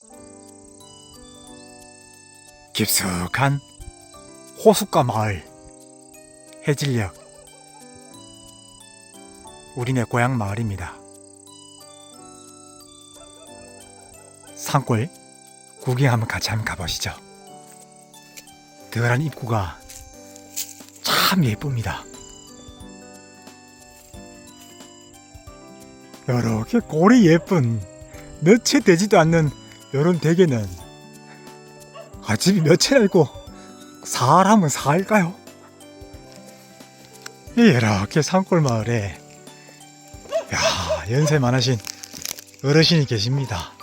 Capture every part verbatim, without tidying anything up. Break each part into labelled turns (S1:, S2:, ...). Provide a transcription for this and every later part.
S1: 깊숙한 호숫가 마을 해질녘, 우리네 고향 마을입니다. 산골 구경 한번 같이 한번 가보시죠. 드란 입구가 참 예쁩니다. 이렇게 골이 예쁜 몇 채 되지도 않는 이런 대게는 아, 집이 몇 채나 있고 사람은 살까요? 이렇게 산골 마을에 야, 연세 많으신 어르신이 계십니다.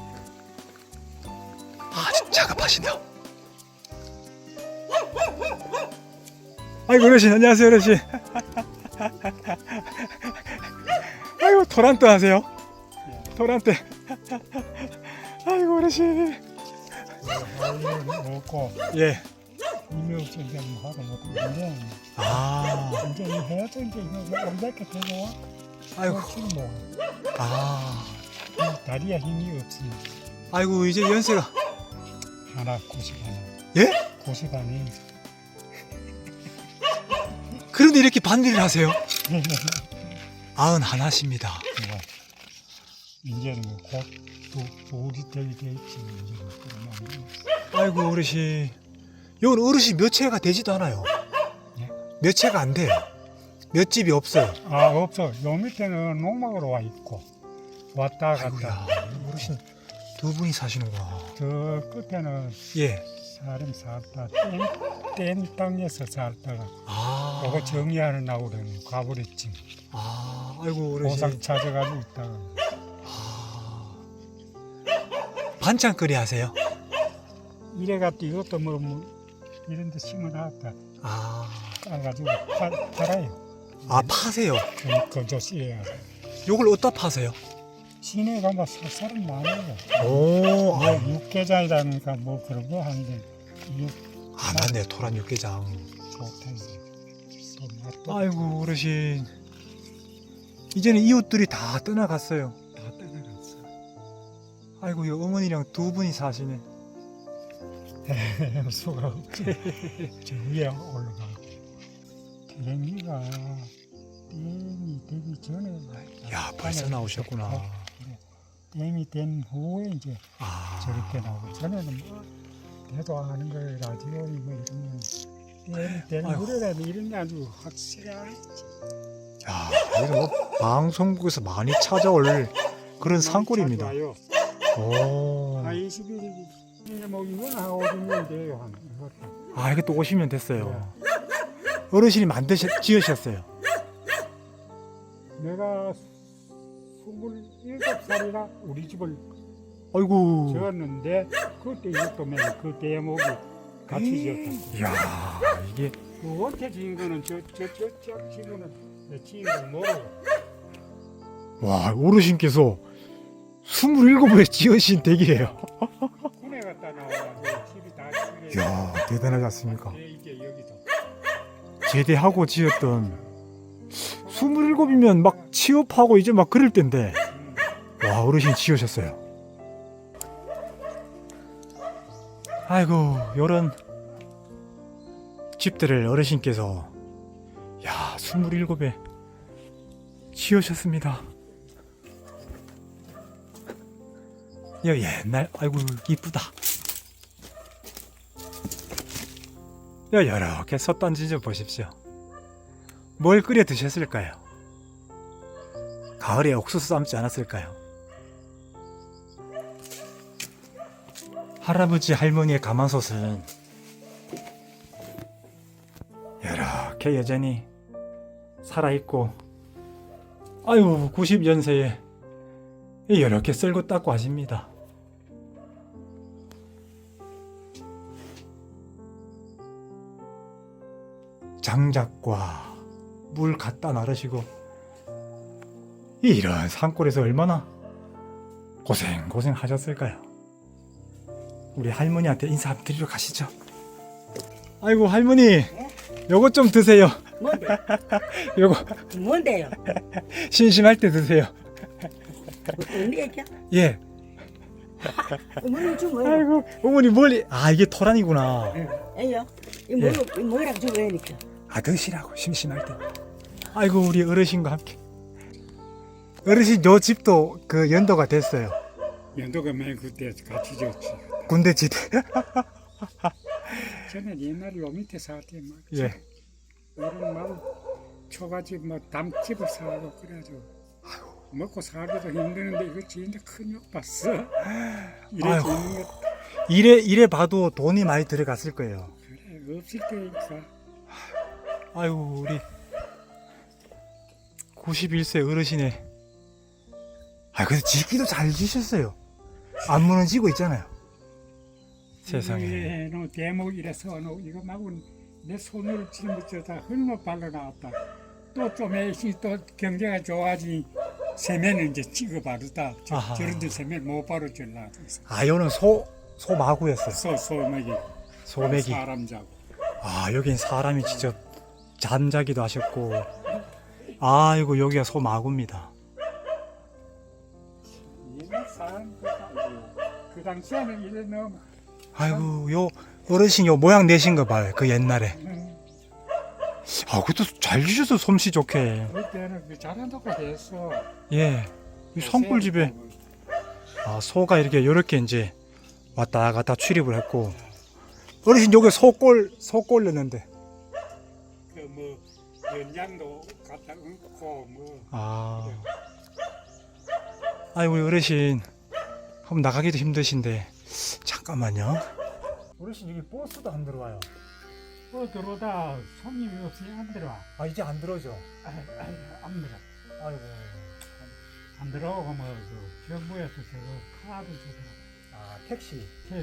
S1: 아주 작업하시네요. 아이고 어르신, 안녕하세요 어르신. 아이고 토란대 하세요? 토란대. 아이고 어르신.
S2: 먹고
S1: 예.
S2: 이미 없이 이제 뭐 하고 못 이제
S1: 아,
S2: 이제 이 해도 이제 이거 온데게 되고 와.
S1: 아이고.
S2: 지금 뭐
S1: 아,
S2: 이 다리에 힘이 없으니
S1: 아이고 이제 연세가
S2: 하나 고십 하나.
S1: 예?
S2: 고십 하니.
S1: 그런데 이렇게 반일을 하세요? 아흔 하나십니다.
S2: 이제는 곧두 둘이 되게 돼 있지 이제는 그러면
S1: 아이고 어르신, 여기 어르신 몇 채가 되지도 않아요.
S2: 예?
S1: 몇 채가 안 돼요. 몇 집이 없어요.
S2: 아 없어. 요 밑에는 농막으로 와 있고 왔다 갔다.
S1: 아이고야, 어르신 두 분이 사시는구나.
S2: 저 끝에는
S1: 예.
S2: 사람 살다 뗀, 뗀 땅에서 살다가
S1: 아,
S2: 그거 정리하는 나오려는 가버렸지.
S1: 아, 아이고 어르신.
S2: 보상 찾아가지고 있다가
S1: 아, 반찬거리 하세요?
S2: 이래갖고 이것도 뭐, 뭐 이런 데 심어놨다
S1: 아,
S2: 까가지고 파, 팔아요.
S1: 아 파세요?
S2: 그, 그저 씨야.
S1: 요걸 어디다 파세요?
S2: 시내 가면 사- 사람 많아요.
S1: 오,
S2: 뭐
S1: 아,
S2: 육개장이라니까 뭐 그런 거 하는데 이게
S1: 아 맞네, 토란 육개장.
S2: 좋다 이제. 또 맛도
S1: 아이고 어르신, 이제는 이웃들이 다 떠나갔어요.
S2: 다 떠나갔어.
S1: 아이고 이 어머니랑 두 분이 사시네.
S2: 수가 없지. 저 위에 올라가. 대미가 댐이 되기 전에
S1: 야, 벌써 나오셨구나.
S2: 댐이 된 후에 이제
S1: 아,
S2: 저렇게 나오고 전에는 뭐 대도 아는 거예요. 라디오 뭐 이런 댐이 된
S1: 아이고.
S2: 노래라도 이런 게 아주 확실하지.
S1: 야, 이거 뭐 방송국에서 많이 찾아올 그런 산골입니다.
S2: 와요.
S1: 오,
S2: 아 이십 일이 이제 뭐 이건 한 오십 년 돼요. 한 이것도.
S1: 아 이게 또 오십 년 됐어요. 어르신이 만드셨, 지으셨어요.
S2: 내가 스물일곱 살이라 우리 집을
S1: 아이고,
S2: 지었는데 그때 이것도 맨그 대목이 같이 지었다.
S1: 이야, 이게
S2: 그 원태 지은 거는 저저저저 지금은 내 지은 걸 모르고
S1: 와, 어르신께서 스물일곱에 지으신 댁이에요.
S2: 군에 갔다 나와가지고 집이 다 지게.
S1: 이야, 대단하지 않습니까?
S2: 예, 이게 여기도.
S1: 제대하고 지었던 스물일곱이면 막 취업하고 이제 막 그럴 때인데
S2: 음.
S1: 와, 어르신 지으셨어요. 아이고, 요런 집들을 어르신께서 야, 스물일곱에 지으셨습니다. 야, 옛날, 아이고, 이쁘다. 야, 이렇게 솥단지 좀 보십시오. 뭘 끓여 드셨을까요? 가을에 옥수수 삶지 않았을까요? 할아버지 할머니의 가마솥은 이렇게 여전히 살아있고, 아유 구십 연세에 이렇게 쓸고 닦고 하십니다. 장작과 물 갖다 나르시고, 이런 산골에서 얼마나 고생 고생 하셨을까요? 우리 할머니한테 인사 한번 드리러 가시죠. 아이고 할머니, 요거 좀 드세요.
S3: 뭔데?
S1: 요거
S3: 뭔데요?
S1: 심심할 때 드세요.
S3: 어떤 얘기야?
S1: 예,
S3: 어머니 좀 뭐야?
S1: 아이고 어머니 멀리 아 이게 토란이구나.
S3: 에요. 이
S1: 예.
S3: 뭐야? 이 뭐라고 좀 왜니까?
S1: 아 드시라고 심심할 때. 아이고 우리 어르신과 함께. 어르신 요 집도 그 연도가 됐어요.
S2: 연도가 맨 그때 같이 졌지.
S1: 군대 집.
S2: 저는 옛날에 요 밑에 살때 막
S1: 예.
S2: 어른 말 초가집 뭐 담집을 사고 그래가지고 먹고 살기도 힘드는데 이거 진짜 큰욕 봤어. 이래
S1: 아이고.
S2: 지는 거
S1: 이래 이래 봐도 돈이 많이 들어갔을 거예요.
S2: 그래 없을 때니까.
S1: 아이고 우리 구십일 세 어르신의 아 근데 짓기도 잘 지셨어요. 안 무너지고 있잖아요. 세상에.
S2: 너 대목 이래서 너 이거 마구 내 손으로 짊어져다 흙만 발라 나왔다. 또 좀 애시 또 경제가 좋아지 세면은 이제 찍어 바르다. 저,
S1: 아하.
S2: 저런데 세면 못 바로 줄라.
S1: 아 요는 소 소마구였어요.
S2: 소 소맥이
S1: 소맥이.
S2: 사람 자고.
S1: 아 여긴 사람이 직접 잠자기도 하셨고 아이고 여기가 소마구입니다.
S2: 옛날 사람 그, 그 당시에는 이래 너무
S1: 아이고 요 어르신 요 모양 내신 거 봐요. 그 옛날에.
S2: 음,
S1: 아 그것도 잘 주셔서 솜씨 좋게.
S2: 그때는 그 잘한다고 했어.
S1: 예. 이 산골집에 아 소가 이렇게 요렇게 이제 왔다 갔다 출입을 했고 어르신 여기 소골 소골 넣는데
S2: 그뭐 연장도 갖다 얹고 뭐
S1: 아 아이고 우리 어르신 한번 나가기도 힘드신데 잠깐만요. 어르신 여기 버스도 안 들어와요.
S2: 뭐 들어오다 손님이 없이 안 들어와.
S1: 아 이제 안 들어오죠.
S2: 아, 아, 안 들어.
S1: 아이고
S2: 안 들어오고 뭐그 정부에서 저거 카드 주더라.
S1: 아 택시.
S2: 택시.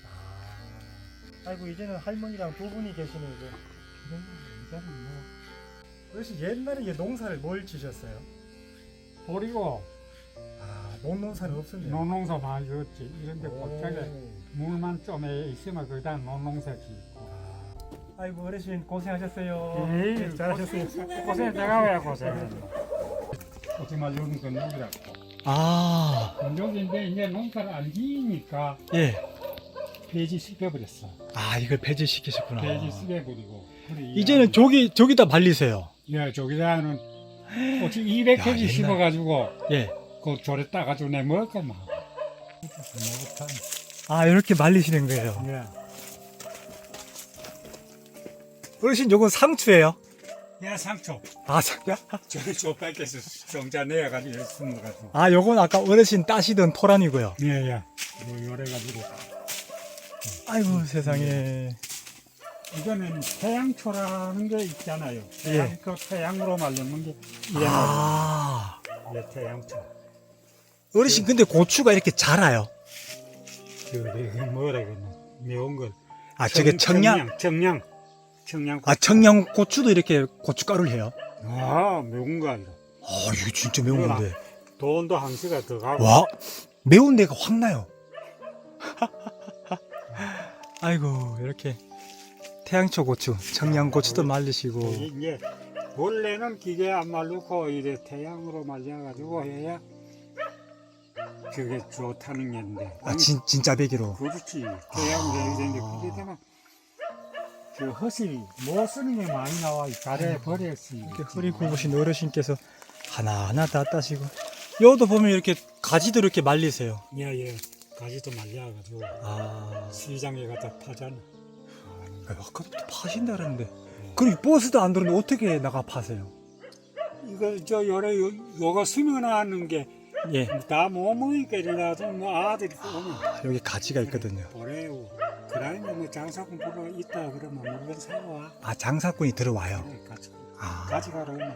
S1: 아 아이고 이제는 할머니랑 두 분이 계시네 이제.
S2: 그래 이제는 뭐
S1: 어르신 옛날에 이 농사를 뭘 지셨어요?
S2: 버리고
S1: 아 농농사는 없었네요.
S2: 농농사 많이 졌지. 이런데 갑자기
S1: 오.
S2: 물만 좀 있으면 거기다 농농사 짓고.
S1: 아이고 어르신 고생하셨어요.
S2: 에이,
S1: 네, 잘하셨어요.
S2: 고생 내가 왜 고생해? 어찌마 요런 건조기라고.
S1: 아
S2: 건조기인데 이제 농사를 안 지니까
S1: 예.
S2: 폐지 시켜버렸어.
S1: 아 이걸 폐지시키셨구나.
S2: 폐지 시켜버리고. 그래,
S1: 이제는 저기 저기다 말리세요.
S2: 야 저기다는 어찌 이백
S1: 야,
S2: 개지
S1: 옛날-
S2: 씹어가지고
S1: 예.
S2: 그 조래 따가지고 내 먹을 거만.
S1: 아 이렇게 말리시는 거예요.
S2: 예.
S1: 어르신 요건 상추예요.
S2: 야 상초.
S1: 아 상.
S2: 저기 조백에서 정자 내가지고 숨어가지고.
S1: 아 요건 아까 어르신 따시던 토란이고요.
S2: 예예. 요 요래가지고.
S1: 아이고 세상에.
S2: 이거는 태양초라는 게 있잖아요.
S1: 예.
S2: 태양, 그 태양으로 말리는 게 이래
S1: 아
S2: 예, 태양초.
S1: 어르신 근데 고추가 이렇게 자라요.
S2: 저기 뭐라 그러나 매운 걸.
S1: 아 저게 청양.
S2: 청양. 청양.
S1: 아 청양 고추도 이렇게 고춧가루를 해요.
S2: 아 매운 거 아니라.
S1: 아 이거 진짜 매운 건데.
S2: 돈도 한 시가 더 가고.
S1: 와 매운 데가 확 나요. 아이고 이렇게 태양초 고추, 청양 고추도 말리시고.
S2: 이제 원래는 기계 안 말르고 이래 태양으로 말려가지고 해야 그게 좋다는 게인데.
S1: 아 진, 진짜 배기로.
S2: 그렇지. 태양으로 해야 되는데
S1: 아.
S2: 그게 되면 그 헛이 못 쓰는 게 많이 나와. 가래 버렸지.
S1: 이렇게 허리 굽으신 어르신께서 하나하나 다 따시고. 여도 보면 이렇게 가지도 이렇게 말리세요.
S2: 예예. 가지도 말려가지고
S1: 아,
S2: 시장에 갖다 파잖아.
S1: 아까부터 파신다 그러는데. 그리고 버스도 안 들어오는데 어떻게 나가 파세요?
S2: 이거 저 요래 요, 요거 심어놨는 게
S1: 예.
S2: 다 못 먹으니까 이래가지고 뭐 아들이 오면
S1: 여기 가지가 있거든요.
S2: 보래요. 그다음에 뭐 장사꾼 보러 있다 그러면 물건 사와.
S1: 아, 장사꾼이 들어와요.
S2: 그래, 가지
S1: 아,
S2: 가져가라 오면.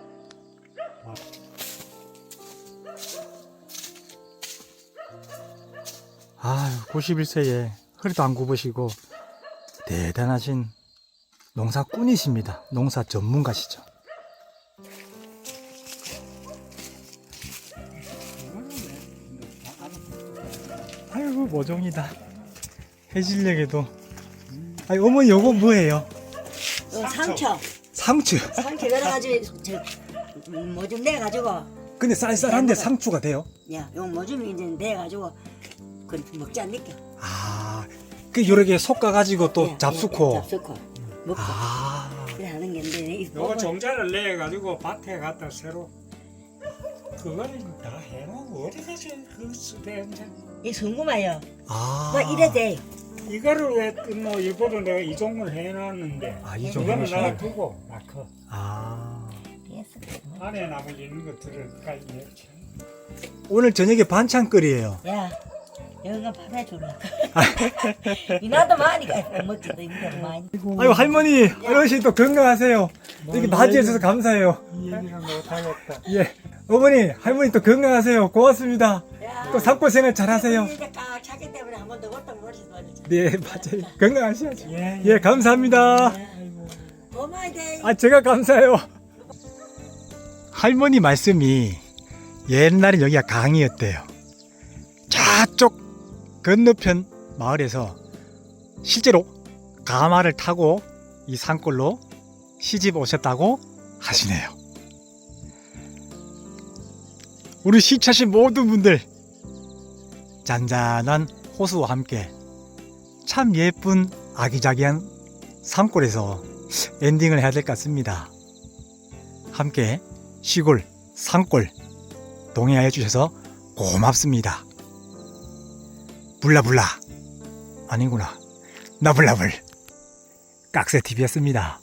S1: 아유, 구십일 세에 허리도 안 굽으시고 대단하신 농사꾼이십니다. 농사 전문가시죠. 아이고 모종이다. 해질녘에도. 아니 어머니 요거 뭐예요?
S3: 어, 상처.
S1: 상추.
S3: 상처 열어가지고 저뭐 좀 내가지고
S1: 근데 쌀쌀한데 상추가 돼요?
S3: 야, 요 뭐 좀 이제 내가지고 그렇게 먹지 않니까.
S1: 아, 그 여러 개 솎아가지고 또
S3: 예,
S1: 잡수코.
S3: 예, 잡수코 먹고
S1: 아,
S3: 그래 하는 게인데 이
S2: 요거
S3: 볶음-
S2: 종자를 내 가지고 밭에 갖다 새로 그거는 다 해놓고 어디 가서 그 쓰대
S3: 이 성구마요.
S1: 아.
S3: 뭐 이래 돼.
S2: 이거를 왜뭐 일부러 내가 이종을 해놨는데
S1: 아, 이종
S2: 그거는
S1: 해놓으시네.
S2: 내가 두고 마커
S1: 아.
S2: 안에 남을 있는 것들을 까지 이렇게
S1: 오늘 저녁에 반찬거리예요.
S3: 야, 여기가 밥해 줄라. 이나도 많으니까 못 먹지도 이거 많이.
S1: 아유 할머니, 어르신 또 건강하세요. 이렇게 맞이해 주셔서 감사해요.
S2: 이 얘기를 못하겠다.
S1: 예, 어머니, 할머니 또 건강하세요. 고맙습니다.
S3: 야,
S1: 또 산골생활 잘하세요.
S3: 이제 까 차기 때문에 한 번 더 왔다 머리도 말이지.
S1: 네, 맞아요. 건강하셔야죠.
S2: 예,
S1: 예, 감사합니다.
S2: 아이고.
S3: 고마워 돼.
S1: 아, 제가 감사해요. 할머니 말씀이 옛날에 여기가 강이었대요. 저쪽 건너편 마을에서 실제로 가마를 타고 이 산골로 시집 오셨다고 하시네요. 우리 시차신 모든 분들 잔잔한 호수와 함께 참 예쁜 아기자기한 산골에서 엔딩을 해야 될 것 같습니다. 함께 시골, 산골 동행하여 주셔서 고맙습니다. 불라불라 아니구나 나불나불 깍새티비였습니다.